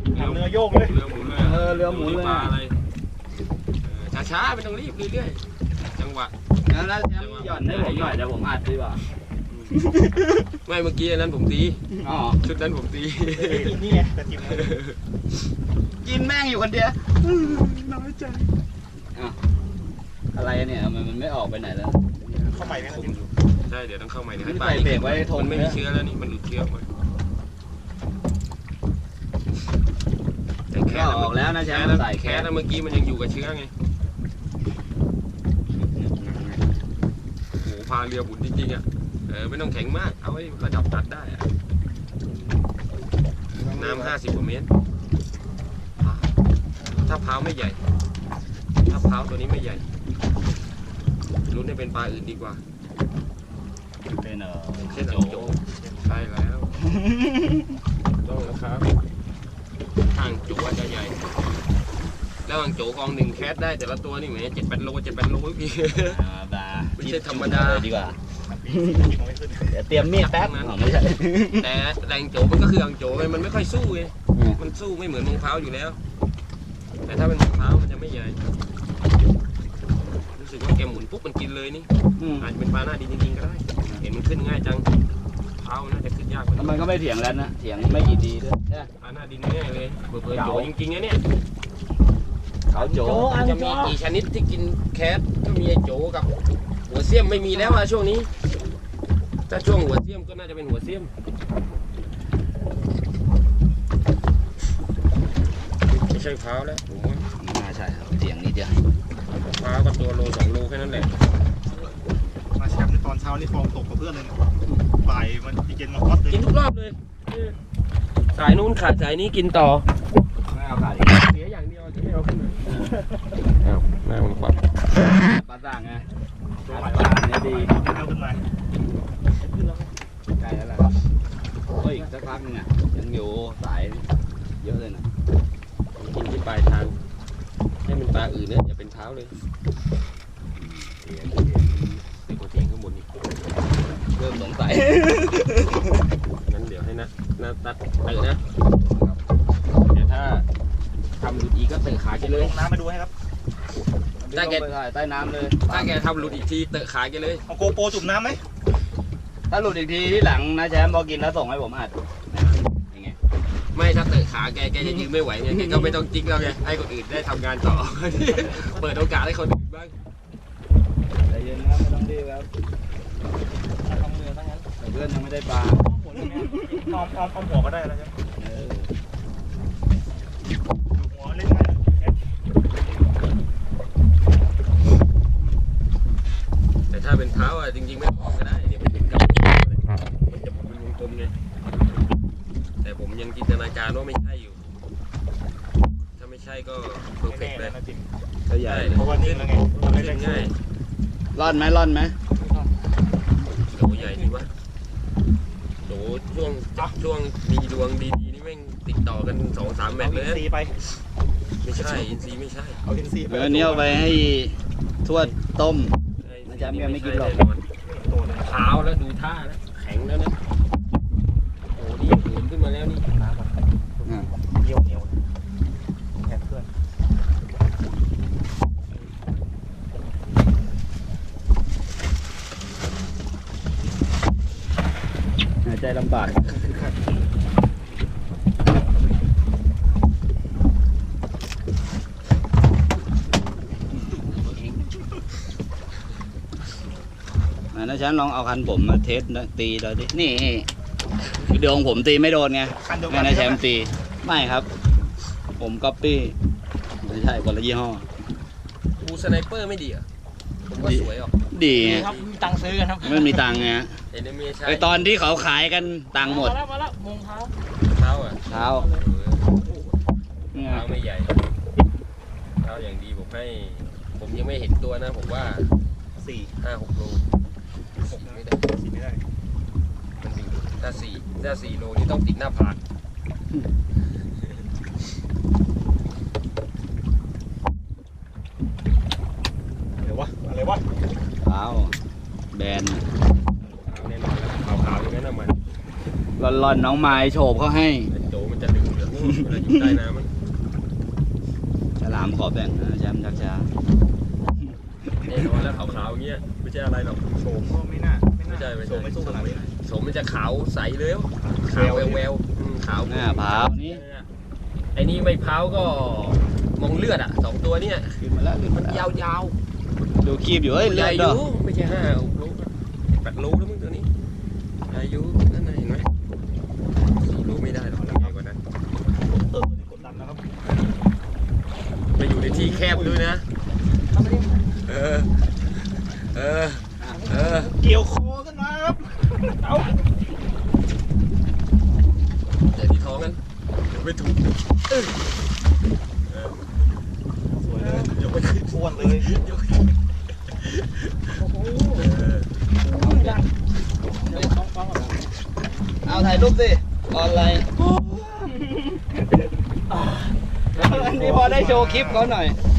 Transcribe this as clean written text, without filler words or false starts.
เรือโยกเลยเรือหมุนเลยเรือหมุนเลยปลาอะไรช้าๆไม่ต้องรีบเรื่อยๆจังหวะแล้วแชมป์หย่อนให้ผมหน่อยเดี๋ยวผมอัดดีกว่าไม่เมื่อกี้นั้นผมตีชุดนั้นผมตีนี่ไงแต่จิ้มกินแม่งอยู่คนเดียวน้อยใจอะไรเนี่ยมันไม่ออกไปไหนแล้วเข้าใหม่ไหมครับจิ้มใช่เดี๋ยวต้องเข้าใหม่ให้ปลาเบรกไว้ทนไม่มีเชื้อแล้วนี่มันหลุดเชื้อไปแค่ออกแล้วนะแชมป์ใส่แค่แล้วเมื่อกี้มันยังอยู่กับเชื้อไงโอ้พาเรือบุญจริงๆอ่ะไม่ต้องแข็งมากเอาไว้ระดับตัดได้น้ำ50 กว่าเมตรถ้าเผาไม่ใหญ่ถ้าเผาตัวนี้ไม่ใหญ่ลุ้นให้เป็นปลาอื่นดีกว่าเป็นเช่นโจใช่แล้วต้องนะครับห่างโจจะใหญ่แล้วห่างโจกอง1แคสได้แต่ละตัวนี่แหม7-8 โลพี่ไม่ใช่ธรรมดาดีกว่าเดี๋ยวเตรียมมีดแป๊บไม่ใช่แต่แรงโจมันก็คือห่างโจมันไม่ค่อยสู้ไงมันสู้ไม่เหมือนมะพร้าวอยู่แล้วแต่ถ้าเป็นมะพร้าวมันจะไม่ใหญ่รู้สึกว่าแกหมุนปุ๊บมันกินเลยนี่อาจจะเป็นปลาหน้าดินจริงๆก็ได้เห็นมันขึ้นง่ายจังเท้าน่าจะขึ้นยากกว่ามันก็ไม่เถียงแล้วนะเถียงไม่กี่ดีด้วยปลาหน้าดินง่ายเลยเปิดโจจริงๆนะเนี่ยเขาโจจะมีกี่ชนิดที่กินแคทก็มีไอโจกับหัวเสี้ยมไม่มีแล้วช่วงนี้ถ้าช่วงหัวเสี้ยมก็น่าจะเป็นหัวเสี้ยมไม่ใช่เท้าแล้วผมว่าไม่น่าใช่เถียงนิดเดียวเท้าก็ตัวโล2 โลแค่นั้นแหละมาแชมป์ในตอนเช้านี่ฟองตกกับเพื่อนเลยบ่ายมันเย็นมาฮอตเลยกินทุกรอบเลยสายนู้นขาดสายนี้กินต่อไม่เอาขาดเสียอย่างเดียวจะไม่เอาขึ้นมาแม่มันควักปลาต่างไงปลาเนี่ยดีเอาขึ้นมาใกล้แล้วแหละครับก็อีกสักพักนึงอ่ะยังอยู่สายเยอะเลยนะกินที่ปลายทางให้มันปลาอื่นเนี่ยอย่าเป็นเท้าเลยเด็กกว่าเถียงข้างบนอีกเริ่มสงสัยงั้นเดี๋ยวให้นะตัดนะเดี๋ยวถ้าทำหลุดอีกก็เตะขาแกเลยลงน้ำมาดูให้ครับถ้าแกใต้น้ำเลยถ้าแกทำหลุดอีกทีเตะขาแกเลยเอาโกโปรจุ่มน้ำไหมถ้าหลุดอีกทีที่หลังนะแชมป์พอกินแล้วส่งให้ผมอัดยังไงไม่ถ้าเตะขาแกจะยืนไม่ไหวไงแกก็ไม่ต้องจิ๊กแล้วไงให้คนอื่นได้ทำงานต่อเปิดโอกาสให้คนอื่นบ้างใจเย็นครับไม่ต้องรีบครับทำเรือทั้งนั้นเพื่อนยังไม่ได้ปลาอ้อมหัวก็ได้แล้วใช่ไหมหัวเล่นง่ายแต่ถ้าเป็นเท้าจริงๆไม่ออกก็ได้เดี๋ยวมันถึงกับมันจะเป็นวงกลมไงแต่ผมยังจินตนาการว่าไม่ใช่อยู่ถ้าไม่ใช่ก็เพอร์เฟกต์เลยก็ใหญ่เพราะว่านี่แล้วไงขึ้นง่ายร่อนไหมโหใหญ่ดีวะโหช่วงมีดวงดีๆนี่แม่งติดต่อกัน 2-3 แมตช์เลยอินซีไปไม่ใช่อินซีไม่ใช่เอาอินซีไปอันนี้เอาไปให้ทวดต้มนะจ๊ะไม่กินหรอกเท้าแล้วดูท่าแล้วแข็งแล้วนะโอ้ดีเหินขึ้นมาแล้วนี่น้ำเหนียวแข็งเพื่อนหายใจลำบากนะฉันลองเอาคันผมมาเทสตีเลยดินี่เดี๋ยวของผมตีไม่โดนไงไม่นะแชมป์ตีไม่ครับผมก๊อปปี้ไม่ใช่คนละยี่ห้อบูสไนเปอร์ไม่ดีอ่ะผมว่าสวยอ่ะดีครับมีตังค์ซื้อกันครับไม่มีตังค์ไงไอตอนที่เขาขายกันตังค์หมดมาแล้วมงเท้าอ่ะเท้าไม่ใหญ่เท้าอย่างดีผมยังไม่เห็นตัวนะผมว่า 4-5-6 โลไม่ได้มันมีถ้า4 โลนี่ต้องติดหน้าผากอะไรวะเท้าแบนแน่นอนแล้วขาวๆอย่างนั้นนะมันร่อนน้องไม้โฉบเขาให้โจมันจะดึงเหลืองเวลาอยู่ใต้น้ำมันฉลามขอแบ่งนะแชมป์ชักช้าแน่นอนแล้วขาวๆอย่างเงี้ยไม่ใช่อะไรหรอกโฉมก็ไม่น่าไม่ใช่โฉมไม่สู้ขนาดนี้โฉมมันจะขาวใสเลยขาวแววๆขาวหน้าพร้าวนี่ไอ้นี่ไม่พร้าวก็มองเลือดอ่ะ2ตัวเนี่ยขึ้นมาแล้วขึ้นมัมาน แล้วยาวดูคีบอยู่เฮ้ยๆเลืใหอญ่ดอดอกยู่ไม่ใช่5-6 ลูก8 ลูกแล้วมึงตัวนี้ใหญ่อยู่นั่นน่ะเห็นไหม4 ลูกไม่ได้หรอกใหญ่กว่านั้นกดดันนะครับไปอยู่ในที่แคบด้วยนะเออเออเออเกี่ยวคอกันมาครับเอาแต่ที่ท้องกันเดี๋ยวไม่ถูกสวยเลยยกไปขึ้นอ้วนเลยเอาถ่ายรูปสิออนไลน์อันนี้พอได้โชว์คลิปเขาหน่อย